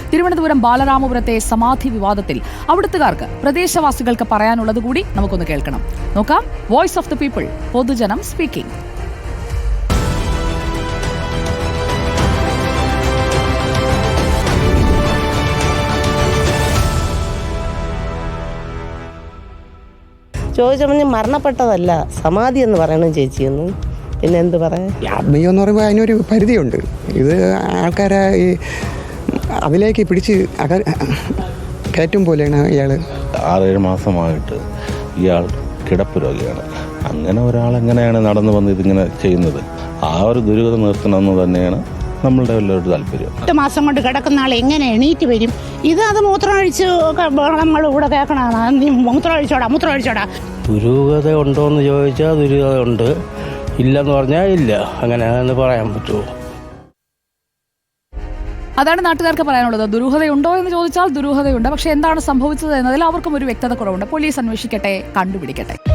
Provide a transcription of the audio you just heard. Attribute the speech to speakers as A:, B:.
A: തിരുവനന്തപുരം ബാലരാമപുരത്തെ സമാധി വിവാദത്തിൽ അവിടുത്തുകാർക്ക് പ്രദേശവാസികൾക്ക് പറയാനുള്ളത് കൂടി നമുക്കൊന്ന് കേൾക്കണം. നോക്കാം. വോയിസ് ഓഫ് ദി പീപ്പിൾ, പൊതുജനം സ്പീക്കിംഗ്.
B: ചോദിച്ചപ്പോൾ മരണപ്പെട്ടതല്ല, സമാധി എന്ന് പറയണം ചേച്ചിയെന്ന്. പിന്നെ എന്ത് പറയാൻ?
C: ആത്മീയം എന്ന് പറയുമ്പോൾ അതിനൊരു പരിധിയുണ്ട്. ഇത് ആൾക്കാരെ ഈ അതിലേക്ക് പിടിച്ച് കയറ്റും പോലെയാണ് ഇയാൾ.
D: 6-7 മാസമായിട്ട് ഇയാൾ കിടപ്പ് രോഗിയാണ്. അങ്ങനെ ഒരാളെങ്ങനെയാണ് നടന്നു വന്ന് ഇതിങ്ങനെ ചെയ്യുന്നത്? ആ ഒരു ദുരിതം നിർത്തണമെന്ന് തന്നെയാണ് നമ്മളുടെ എല്ലാവരുടെ താല്പര്യം.
E: 8 മാസം കൊണ്ട് കിടക്കുന്ന ആൾ എങ്ങനെ എണീറ്റ് വരും? അത് മൂത്രമൊഴിച്ച് നമ്മൾ ഇവിടെ കേൾക്കണതാണ്. നീ മൂത്രമൊഴിച്ചോടാ.
F: ദുരൂഹത ഉണ്ടോ എന്ന് ചോദിച്ചാൽ ദുരൂഹത ഉണ്ട്, ഇല്ലെന്ന് പറഞ്ഞാൽ ഇല്ല. അങ്ങനെ പറയാൻ പറ്റുമോ?
A: അതാണ് നാട്ടുകാർക്ക് പറയാനുള്ളത്. ദുരൂഹതയുണ്ടോ എന്ന് ചോദിച്ചാൽ ദുരൂഹതയുണ്ട്. പക്ഷെ എന്താണ് സംഭവിച്ചത് എന്നതിൽ അവർക്കും ഒരു വ്യക്തത കുറവുണ്ട്. പോലീസ് അന്വേഷിക്കട്ടെ, കണ്ടുപിടിക്കട്ടെ.